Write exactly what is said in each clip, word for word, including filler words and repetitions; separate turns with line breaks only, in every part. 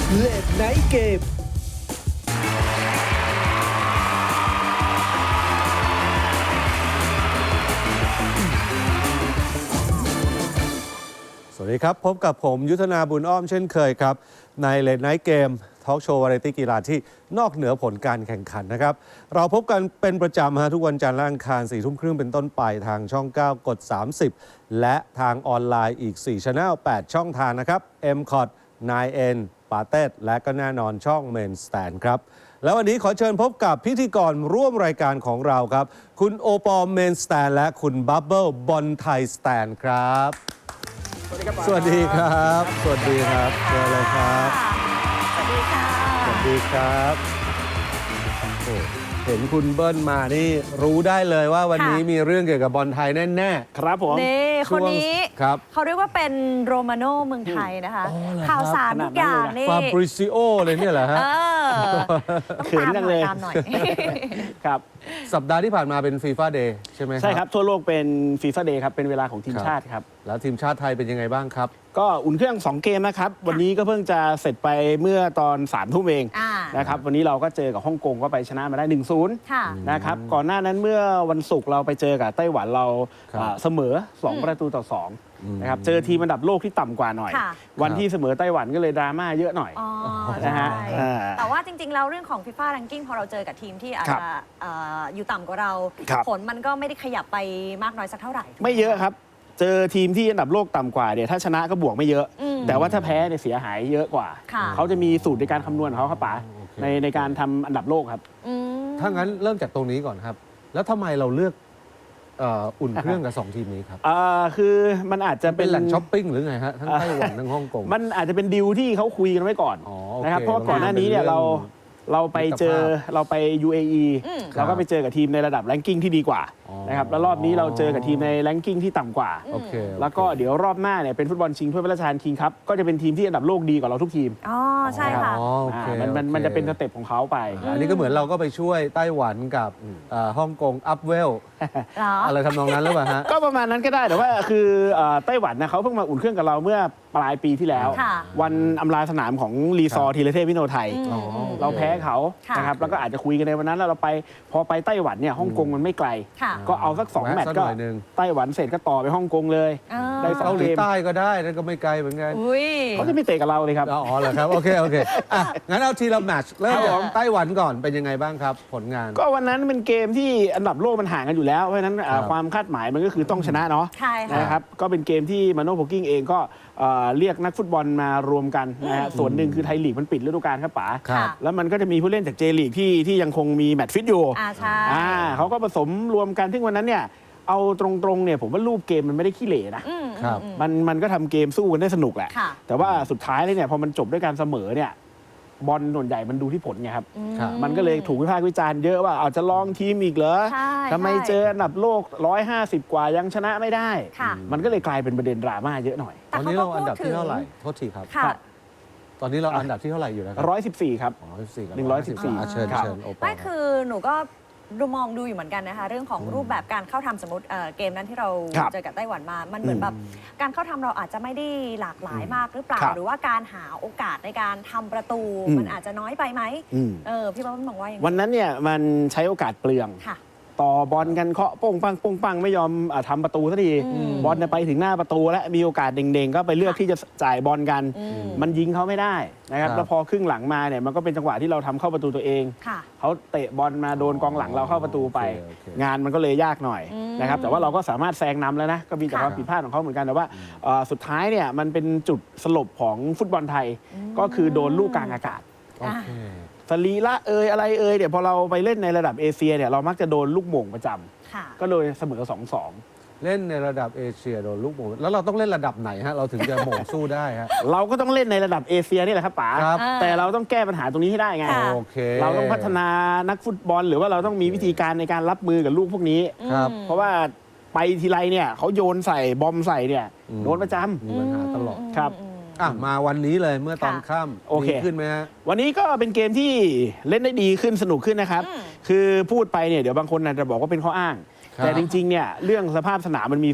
เลดไนท์เกม
สวัสดีครับ พบกับผมยุทธนาบุญอ้อมเช่นเคยครับ ในเลดไนท์เกมทอล์กโชว์วาไรตี้กีฬาที่นอกเหนือผลการแข่งขันนะครับ เราพบกันเป็นประจำฮะทุกวันจันทร์และอังคารสี่ทุ่มครึ่งเป็นต้นไปทางช่อง เก้ากด สามสิบ และทางออนไลน์อีก สี่ Channel แปด ช่องทางนะครับ เอ็ม คอท ไนน์ เอ็น ปาเต้และก็แน่นอนช่อง Main Stand ครับ แล้ววันนี้ขอเชิญพบกับพิธีกรร่วมรายการของเราครับ คุณโอปอล Main Stand และคุณบับเบิลบอลไทยสแตนครับ สวัสดีครับ สวัสดีครับเชิญเลยครับ
สวัสดีค่ะ
สวัสดีครับโอ้เห็นคุณเบิ้ลมานี่รู้ได้เลยว่าวันนี้มีเรื่องเกี่ยวกับบอลไทยแน่ๆครับผม
นี่คนนี้
ครับ
เขาเรียกว่าเป็นโรมาโน่เมืองไทยนะคะ
อ๋อเหรอครับ
ข่าวสารทุกอย่างนี่
ฟาบริซิโอเลยเนี่ยเหรอฮะ
เออ
เขินจังเลย
ตามหน่อย
ครับ
สัปดาห์ที่ผ่านมาเป็นฟีฟ่าเดย์ใช่ไหมครับ
ใช่ครับ ทั่วโลกเป็นฟีฟ่าเดย์ครับ เป็นเวลาของทีม
ครับ
ชาติครับ
แล้วทีมชาติไทยเป็นยังไงบ้างครับ
ก็อุ่นเครื่อง สอง เกมนะครับ วันนี้ก็เพิ่งจะเสร็จไปเมื่อตอนสามทุ่มเอง
อ่า
นะครับ วันนี้เราก็เจอกับฮ่องกงก็ไปชนะมาได้ หนึ่งศูนย์
ค่ะ
นะครับ ก่อนหน้านั้นเมื่อวันศุกร์เราไปเจอกับไต้หวันเรา
ครับ
อ่าเสมอ สอง
อืม
ประตูต่อสองนะครับ เจอทีมอันดับโลกที่ต่ำกว่าหน่อย
ค่ะ
วันที่เสมอไต้หวันก็เลยดราม่าเยอะหน่อย
อ๋อ
นะ
ใช่
ฮะอ่า
แต่ว่าจริง ๆ แล้วเรื่องของ FIFA Ranking พอเราเจอกับทีมที่อาจ
ครับ
จะเอ่ออยู่ต่ำกว่าเรา
ครับ
ผลมันก็ไม่ได้ขยับไปมากน้อยสักเท่าไหร่ถูกห
ไม่เยอะครับ เจอทีมที่อันดับโลกต่ำกว่าเนี่ยถ้าชนะก็บวกไม่เยอะ
อืม
แต่ว่าถ้าแพ้เนี่ยเสียหายเยอะกว่า
ค่ะ
เขาจะมีสูตรในการคำนวณของเขาครับป๋า
โอเค
ในในการทำอันดับโลกครับ
อืม
ถ้างั้นเริ่มจากตรงนี้ก่อนครับ แล้วทำไมเราเลือกเอ่ออุ่นเครื่องกับสองทีมนี้ครับ
อ่าคือมันอาจจะ
เป็
เป็น น
แหล่งช้อปปิ้งหรือไงฮะ ทั้งไต้หวันทั้งฮ่องกง
มันอาจจะเป็นดีลที่เขาคุยกันไว้ก่อน
อ๋อโอเค
นะครับเพราะว่าก่อนหน้านี้เนี่ยเราเราไปเจอ
มิตรภาพ
เราไป ยู เอ อี
อืม
เราก็ไปเจอกับทีมในระดับแรงกิ้งที่ดีกว่า
อ๋อ
นะครับแล้วรอบนี้เราเจอกับทีมในแรงกิ้งที่ต่ำกว่า
โอเคโอเค
แล้วก็เดี๋ยวรอบหน้าเนี่ยเป็นฟุตบอลชิงถ้วยพระราชทานคิงครับก็จะเป็นทีมที่อันดับโลกดีกว่าเราทุกทีม
อ๋อใช่ค่ะ
อ๋อโอเค
อ่ามันมัน
โอเค
มันจะเป็นสเต็ปของเขาไป
อันนี้ก็เหมือนเราก็ไปช่วยไต้หวันกับเอ่อฮ่องกงอัพเวล
เหรอ
อะไรทำนองนั้นหรือเปล่าฮะ
ก็ประมาณนั้นก็ได้แต่ว่าคือเอ่อไต้หวันนะเขาเพิ่งมาอุ่นเครื่องกับเราเมื่อปลายปีที่แล้ว
ค่ะ
วันอำลาสนามของรีซอร์ทีเลเทพวิโนไทย
อืม
อ๋อโอค
เราแพ้เขา
ค่ะ
นะครับแล้วก็อาจจะคุยกันในวันนั้นแล้วเราไปพอไปไต้หวันเนี่ยฮ่องกงมันไม่ไกล
ค่ะ
ก็เอาสักสอง
แวะ
แมตช์
สัก
ก็
หน่อยหนึ่ง
ไต้หวันเสร็จก็ต่อไปฮ่องกงเลย
อ่า
ได้สอ
เกาง หลีใต้ก็ได้นั่นก็ไม่ไกลเหมือนกัน
อุ้ย
เขาจะไม่เตะกับเราเลยครับ
อ๋อเหรอครับ โอเค โอเคอ่ะงั้นเอาทีละแมตช์เริ่ม
ครับ
จาก
ผม
ไต้หวันก่อนเป็นยังไงบ้างครับ ผลงาน
ก็วันนั้นเป็นเกมที่อันดับโลกมันห่างกันอยู่แล้ว เพราะฉะนั้นอ่า
ครับ
ความคาดหมายมันก็คือต้องชนะเนาะ
ใช่ค่ะ
นะครับก็เป็นเกมที่มาโน่โพกิ้งเองก็เอ่อเรียกนักฟุตบอลมารวมกันนะฮะส่วนหนึ่งคือไทยลีกมันปิดฤดูกาลครับป๋า
ครับ
แล้วมันก็จะมีผู้เล่นจากเจลีกที่ที่ยังคงมีแมตช์ฟิตอยู่
อ่าใช่
อ่าเขาก็ผสมรวมกันซึ่งวันนั้นเนี่ยเอาตรงๆเนี่ยผมว่ารูปเกมมันไม่ได้ขี้เหร่นะ
อืม
ครับ
อืม
มันมันก็ทำเกมสู้กันได้สนุกแหละ
ค่ะ
แต่ว่าสุดท้ายเลยเนี่ยพอมันจบด้วยการเสมอเนี่ยบอลส่วนใหญ่มันดูที่ผลไงครับ
อื
ครับ
มันก็เลยถูกวิพากษ์วิจารณ์เยอะว่าเอาจะลองทีมอีกเหรอ
ใช่
ทำไม
ใช่
เจออันดับโลกหนึ่งร้อยห้าสิบกว่ายังชนะไม่ได้
ค่ะ
มันก็เลยกลายเป็นประเด็นดราม่าเยอะหน่อย
ตอนนี้เราอันดับที่เท่าไหร่ โทษทีครับ
ค่ะ
ตอนนี้เราอันดับที่เท่าไหร่อยู่นะครั
ร้อยสิบสี่ครับ
อ๋อสิบสี่กับ
หนึ่งร้อยสิบสี่
ะเชิญ
ครับ
เชิญโอปอ
ไม่
ล์
คือหนูก็ดูมองดูอยู่เหมือนกันนะคะ เรื่องของรูปแบบการเข้าทำสมมติเอ่อเกมนั้นที่เรา
ครับ
เจอกับไต้หวันมา มันเหมือน
อืม
แบบการเข้าทำเราอาจจะไม่ได้หลากหลายมากหรือเปล่า
ครับ
หรือว่าการหาโอกาสในการทำประตู
อืม
มันอาจจะน้อยไปไหม
อืม
เออพี่บ๊อบมองว่าอย่าง
วันนั้นเนี่ยมันใช้โอกาสเปลือง
ค่ะ
ต่อบอลกันเคาะโป้งปังโป้งปังไม่ยอมอาทำประตูสักที
อืม
บอลเนี่ยไปถึงหน้าประตูแล้วมีโอกาสเด้งๆ ก็ไปเลือกที่จะจ่ายบอลกัน
อืม
มันยิงเขาไม่ได้นะครับ
ครับ
แล้วพอครึ่งหลังมาเนี่ยมันก็เป็นจังหวะที่เราทำเข้าประตูตัวเอง
ค่ะ
เขาเตะบอลมาโดนกองหลังเราเข้าประตูไป
โอเคโอเค
งานมันก็เลยยากหน่อย
อืม
นะครับแต่ว่าเราก็สามารถแซงนำแล้วนะก็มีแต่
ค่ะ
ความผิดพลาดของเขาเหมือนกันแต่ว่าเอ่อสุดท้ายเนี่ยมันเป็นจุดสลบของฟุตบอลไทย ก็คือโดนลูกกลางอากาศ
โอเค
สรีละเอยอะไรเอยเนี่ยพอเราไปเล่นในระดับเอเชียเนี่ยเรามักจะโดนลูกโม่งประจำ
ค่ะ
ก็เลยเสมอสองสอง
เล่นในระดับเอเชียโดนลูกโป่งแล้วเราต้องเล่นระดับไหนฮะ เราถึงจะโหม่งสู้ได้ฮะ
เราก็ต้องเล่นในระดับเอเชียนี่แหละครับป๋า
ครับ
อ่า
แต่เราต้องแก้ปัญหาตรงนี้ให้ได้ไง
ค่ะ
โอเค
เราต้องพัฒนานักฟุตบอล หรือว่าเราต้องมีวิธีการในการรับมือกับลูกพวกนี้
ครับ
อืม
เพราะว่าไปทีไรเนี่ยเขาโยนใส่บอมใส่เนี่ย
อืม
โดนประจำ
มีปัญหาตลอด
ครับ
อืม
อ่ะมาวันนี้เลยเมื่อตอน
ค่ะ
ค่
โอ
ำ
เค
ดีขึ้นไหมฮะ
วันนี้ก็เป็นเกมที่เล่นได้ดีขึ้นสนุกขึ้นนะครับ
อืม
คือพูดไปเนี่ยเดี๋ยวบางคนอาจจะบอกว่าเป็นข้ออ้าง
ครับ
แต่จริงๆเนี่ยเรื่องสภาพสนามมันมีส่วน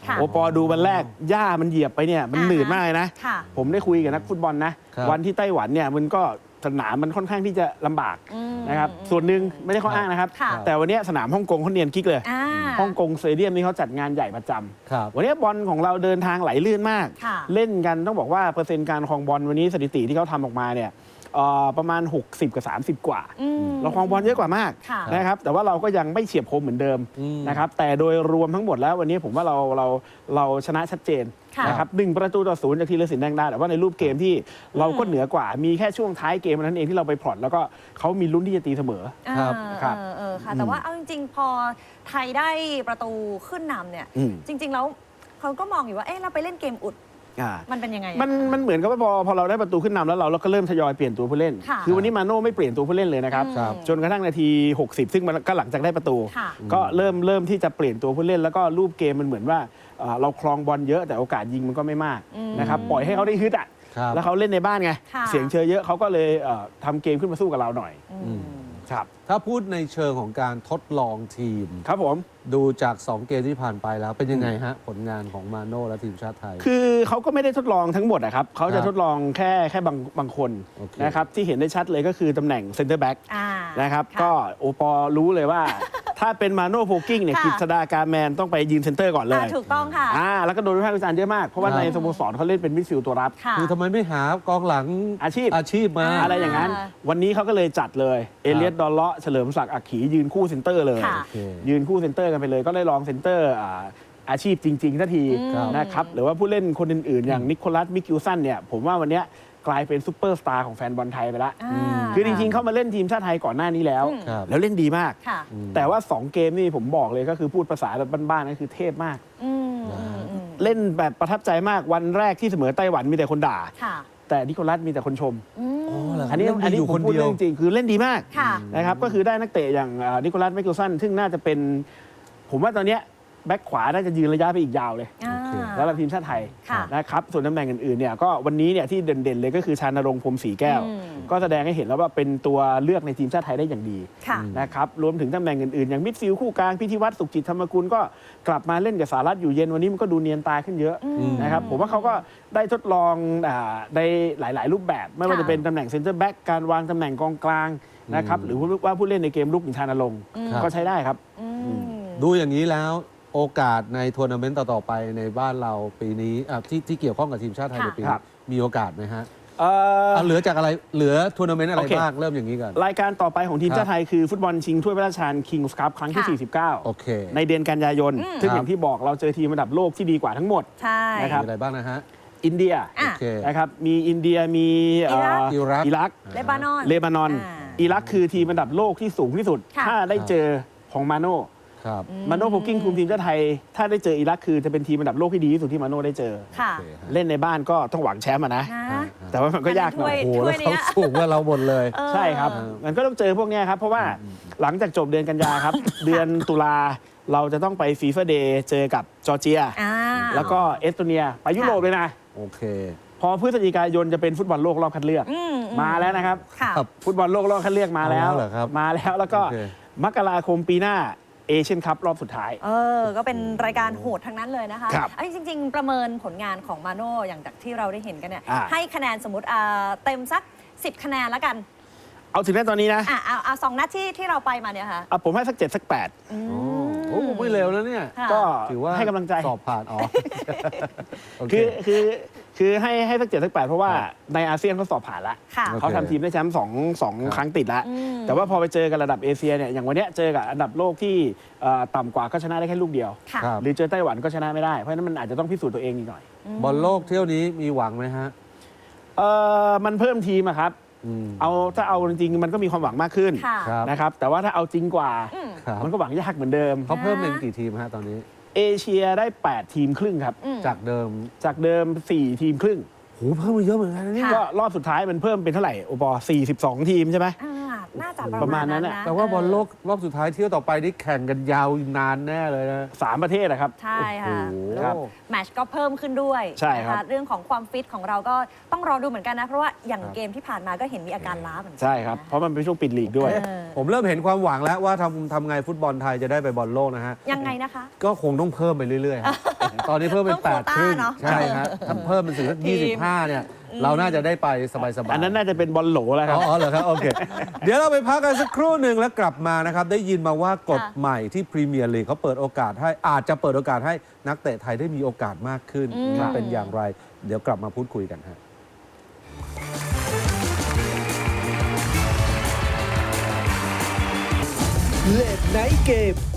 ค่ะ
โอปอดูวันแรกหญ้ามันเหยียบไปเนี่ยมัน
อ่าฮะ
หนืดมากเลยนะ
ค่ะ
ผมได้คุยกับนักฟุตบอลนะ
ครับ
วันที่ไต้หวันเนี่ยมันก็สนามมันค่อนข้างที่จะลำบาก
อืม
นะครับส่วนหนึ่งไม่ได้ข้ออ้างนะครับ
ค่ะ
แต่วันเนี้ยสนามฮ่องกงเขาเนียนกิ๊กเลย
อ่า
ฮ่องกงสเตเดียมนี่เขาจัดงานใหญ่ประจำ
ครับ
วันนี้บอลของเราเดินทางไหลลื่นมาก
ค่ะ
เล่นกันต้องบอกว่าเปอร์เซ็นต์การครองบอลวันนี้สถิติที่เขาทำออกมาเนี่ยเอ่อประมาณ หกสิบ กับ สามสิบ กว่า
อืม
เราครองบอลเยอะกว่ามาก
ค่ะ
นะครับแต่ว่าเราก็ยังไม่เฉียบคมเหมือนเดิม
อืม
นะครับแต่โดยรวมทั้งหมดแล้ววันนี้ผมว่าเราเราเราชนะชัดเจน
ค่ะ
นะครับหนึ่งประตูต่อศูนย์จากธีรศิลป์แดงดาแต่ว่าในรูปเกมที่เราก็เหนือกว่ามีแค่ช่วงท้ายเกมเท่านั้นเองที่เราไปพลอตแล้วก็เขามีลุ้นที่จะตีเสมอ
ครับ
เออ
ครับ
เออเออค่ะ
อืม
แต่ว่าเอาจริงๆ พอไทยได้ประตูขึ้นนำเนี่ย
อืม
จริง ๆ แล้วเขาก็มองอยู่ว่า เอ๊ะ เราไปเล่นเกมอุด
อ่า
มันเป็นยังไงอะ
มันมันเหมือนกับว่าพอพอเราได้ประตูขึ้นนำแล้วเราเราก็เริ่มทยอยเปลี่ยนตัวผู้เล่น
ค่ะ
อวันนี้มาโน่ไม่เปลี่ยนตัวผู้เล่นเลยนะครับ
อืม
ครับ
จนกระทั่งนาที หกสิบ ซึ่งมันก็หลังจากได้ประตู
ค่ะ
ก็เริ่มเริ่มที่จะเปลี่ยนตัวผู้เล่น แล้วก็รูปเกมมันเหมือนว่าเอ่อเราครองบอลเยอะแต่โอกาสยิงมันก็ไม่มาก
อืม
นะครับปล่อยให้เขาได้ฮึดอ่ะ
ครับ
แล้วเขาเล่นในบ้านไง
ค่ะ
เสียงเชียร์เยอะเขาก็เลยเอ่อทำเกมขึ้นมาสู้กับเราหน่อย
อืม
ครับ
ถ้าพูดในเชิงของการทดลองทีม
ครับผม
ดูจาก สอง เกมที่ผ่านไปแล้วเป็นยังไงฮะ ผลงานของมาโน่และทีมชาติไทย
คือเขาก็ไม่ได้ทดลองทั้งหมดนะครับเขา
ค
จะ
รับ
ทดลองแค่แค่บางบางคน
โอเค
นะครับที่เห็นได้ชัดเลยก็คือตำแหน่งเซนเตอร์แบ็ก
อ่า
นะครับ
ะ
ก็โอปอรู้เลยว่า ถ้าเป็นมาโน่โพกิ้งเนี่ย
ค่ะ
กฤษดาการแมนต้องไปยืนเซนเตอร์ก่อนเล
อ่าย ถูกต้องค่ะ
อ่าแล้วก็โดนวิพากษ์วิจารณ์เยอะมาก เพราะว่า
ครับ
ในสโมสรเขาเล่นเป็นมิดฟิลด์ตัวรับ
ค่ะ
คือทำไมไม่หากองหลัง
อาชีพ
อาชีพมา
อ่า
อะไรอย่างนั้น วันนี้เขาก็เลยจัดเลย เอเลียดดอลเลาะเฉลิมศักดิ์อักขียืนคู่เซนเตอร์เลย
ค่ะ
โอเค
ยืนคู่เซนเตอร์กันไปเลย ก็ได้ลองเซนเตอร์อ่าอาชีพจริงๆทันที
ครับ
นะครับหรือว่าผู้เล่นคนอื่นๆ อย่างนิโคลัสมิกิลสันเนี่ยผมว่าวันเนี้ยกลายเป็นซูเปอร์สตาร์ของแฟนบอลไทยไปละ
อ่า
คือจริงๆเขามาเล่นทีมชาติไทยก่อนหน้านี้แล้ว
อืม
ครับ
แล้วเล่นดีมาก
ค่ะ
แต่ว่า สอง เกมนี่ผมบอกเลยก็คือพูดภาษาแบบบ้านๆก็คือเทพมาก
อืมอืมอืม
เล่นแบบประทับใจมากวันแรกที่เสมอไต้หวันมีแต่คนด่า
ค่ะ
แต่นิโคลัสมีแต่คนชม
อืม
อ๋อเหรอ
อันนี้
เล่นดี
อันนี้
อยู่
ผ
ค
ม
น
พูด
เดียว
เรื่องจริงคือเล่นดีมาก
ค่ะ
นะครับก็คือได้นักเตะอย่างอ่านิโคลัสไมเคิลสันซึ่งน่าจะเป็น ผมว่าตอนเนี้ยแบ็คขวาน่าจะยืนระยะไปอีกยาวเลย
อ่า
โอเค
แล้วเราทีมชาติไทย
ค่ะ
นะครับส่วนตำแหน่งอื่นๆเนี่ยก็วันนี้เนี่ยที่เด่นๆเลยก็คือชานรงค์พรหมศรีแก้ว
อืม
ก็แสดงให้เห็นแล้วว่าเป็นตัวเลือกในทีมชาติไทยได้อย่างดี
ค่ะ
นะครับรวมถึงตำแหน่งอื่นๆ อย่างมิดฟิลด์คู่กลางพิธีวัตรสุขจิตธรรมกุลก็กลับมาเล่นกับสารัตอยู่เย็นวันนี้มันก็ดูเนียนตาขึ้นเยอะ
อืม
นะครับผมว่าเขาก็ได้ทดลองอ่าในหลาย ๆ รูปแบบ ไม่ว่า
ค่ะ
จะเป็นตำแหน่งเซนเตอร์แบ็กการวางตำแหน่งกองกลางนะครับหรือว่าผู้เล่นในเกมลุกอย่างชานรงค์
ครับ
ก็ใช้ได้ครับ
อืม
ดูอย่างนี้แล้วโอกาสในทัวร์นาเมนต์ต่อ ๆ ไปในบ้านเราปีนี้อ่ะที่ที่เกี่ยวข้องกับทีมชาติไทย
ค่ะ
ในปี
ครั
นี้
บ
มีโอกาสไหมฮะ
เอ่อ
เอาเหลือจากอะไรเหลือทัวร์นาเมนต์อะไร
โอเค
บ้างเริ่มอย่างนี้ก่อน
รายการต่อไปของทีม
ครับ
ชาติไทยคือฟุตบอลชิงถ้วยพระราชทานคิงส์คัพครั้งที่
ค่ะ
สี่สิบเก้า
โอเค
ในเดือนกันยายน
อืม
ซึ่ง
ครับ
อย่างที่บอกเราเจอทีมระดับโลกที่ดีกว่าทั้งหมด
ใช่
นะครับ
มีอะไรบ้างนะฮะ
อินเดีย
อ่ะ
โอเค
นะครับมีอินเดียมีเอ่อ
อิรัก
อิรัก
เลบานอน
เลบานอน
อ่า
อิรักคือทีมระดับโลกที่สูงที่สุด
ค่ะ
ถ้าได้เจอของมาโน่
ครับ
มาโน่โพกิ้งคุมทีมชาติไทย ถ้าได้เจออิรักคือจะเป็นทีมระดับโลกที่ดีที่สุดที่มาโน่ได้เจอ
ค่ะ
โอเคฮะ
เล่นในบ้านก็ต้องหวังแชมป์อะนะ
นะ
แต่ว่ามันก็ยากหน่อย
โอ้โห
ถ้
แล้ว วย
เนี้
เขา
ย
สูงกว่าเราหมดเลย
เออ
ใช่ครับ มันก็ต้องเจอพวกเนี้ยครับ เพราะว่าหลังจากจบเดือนกันยาครับ เดือนตุลาเราจะต้องไปฟีฟ่าเดย์เจอกับจอร์เจีย
อ่า
แล้วก็เอสโตเนีย ไปยุโรปเลยนะ
โอเค
พอพฤศจิกายนจะเป็นฟุตบอลโลกรอบคัดเลือก
อือื
มาแล้วนะครับ
ค่ะ
ครับ
ฟุตบอลโลกรอบคัดเลือกมาแล้ว
เอาแล้วเหรอครับ
มาแล้วแล้วก็
โอเค
มกราคมปีหน้าเอเชียนคัพรอบสุดท้าย
เออ ก็เป็นรายการโหดทั้งนั้นเลยนะคะ
ครับ
อันจริง ๆ ประเมินผลงานของมาโน่อย่างจากที่เราได้เห็นกันเนี่ย
อ่า
ให้คะแนนสมมติอ่าเต็มสัก สิบ คะแนนแล้วกัน
เอาถึงแม้ตอนนี้นะ
อ่ะเอาเอาสองนัดที่ที่เราไปมาเนี่ยค่ะ
เอาผมให้สักเจ็ดสักแปด
อื
โอ้
ม
โหไม่เร็วแล้วเนี่ย
ค่ะ
ก็
ถือว่า
ให้กำลังใจ
สอบผ่านอ๋อโอเค
คือคือคือให้ให้สักเจ็ดสักแปดเพราะว่า
ครับ
ในอาเซียนเขาสอบผ่านแล้ว
ค่ะ
โอเค
เขาทำทีมได้แชมป์สองสอง
ครับ
ครั้งติดแล้ว
อืม
แต่ว่าพอไปเจอกันระดับเอเชียเนี่ยอย่างวันเนี้ยเจอกับอันดับโลกที่เอ่อต่ำกว่าก็ชนะได้แค่ลูกเดียว
ค่ะ
ครับ
หรือเจอไต้หวันก็ชนะไม่ได้ เพราะฉะนั้นมันอาจจะต้องพิสูจน์ตัวเองอีกหน่อย
บอลโลกเที่ยวนี้มีหวังไหมฮะ
เออมันเพิ่มทีมอะครับ
อืม
เอาถ้าเอาจริงๆมันก็มีความหวังมากขึ้น
ค่ะ
ครับ
นะครับแต่ว่าถ้าเอาจริงกว่า
อืม
ครับ
มันก็หวังยากเหมือนเดิม
เขาเพิ่มเป็นกี่ทีมฮะตอนนี้
เอเชียได้แปดทีมครึ่งครับ
อืม
จากเดิม
จากเดิมสี่ทีมครึ่ง
โหเพิ่มมาเยอะเหมือนกันนะเนี่ย
ค่ะ
ก็รอบสุดท้ายมันเพิ่มเป็นเท่าไหร่โอปอสี่สิบสองทีมใช่ไหม
อ่าน่าจะ
ป
ประ ระ
มา
มา
ณ
ณ
นั้
นั้น น
น่ะ
นะ
แต่ว่าบอลโลก
เ
รอบสุดท้ายเที่ยวต่อไปนี่แข่งกันยาวนานแน่เลยนะ
สามประเทศนะครับ
ใช่ค่ะ
โอ้โห
แล้วแมตช์ก็เพิ่มขึ้นด้วย
ใช่ครับ
นะคะเรื่องของความฟิตของเราก็ต้องรอดูเหมือนกันนะ เพราะว่าอย่างเกมที่ผ่านมาก็เห็นมีอาการล้าเหมือนกั
ใช่ครับ เพราะมันเป็นช่วงปิดลีกด้วย
เออ
ผมเริ่มเห็นความหวังแล้วว่าทำทำไงฟุตบอลไทยจะได้ไปบอลโลกนะฮะ
ยังไงนะคะ
ก็คงต้องเพิ่มไปเรื่อยๆฮะ ตอนนี้เพิ่มเป็น
เพิ่
แป
ม
ด
โควต้า
ครึ่ง
เนอะ
ใช่ฮะถ้าเพิ่มเป็นถึงสัก
ที
ยี่
ม
สิบห้าเนี่ย เราน่าจะได้ไปสบายๆ
อันนั้นน่าจะเป็นบอลโหลแล้วครับ
อ๋อเหรอครับ โอเค เดี๋ยวเราไปพักกันสักครู่หนึ่งแล้วกลับมานะครับ ได้ยินมาว่ากฎ
ค่ะ
ใหม่ที่พรีเมียร์ลีกเขาเปิดโอกาสให้อาจจะเปิดโอกาสให้นักเตะไทยได้มีโอกาสมากขึ้น
อืม
มันเป็นอย่างไร เดี๋ยวกลับมาพูดคุยกันฮะ
เลดไนท์เกม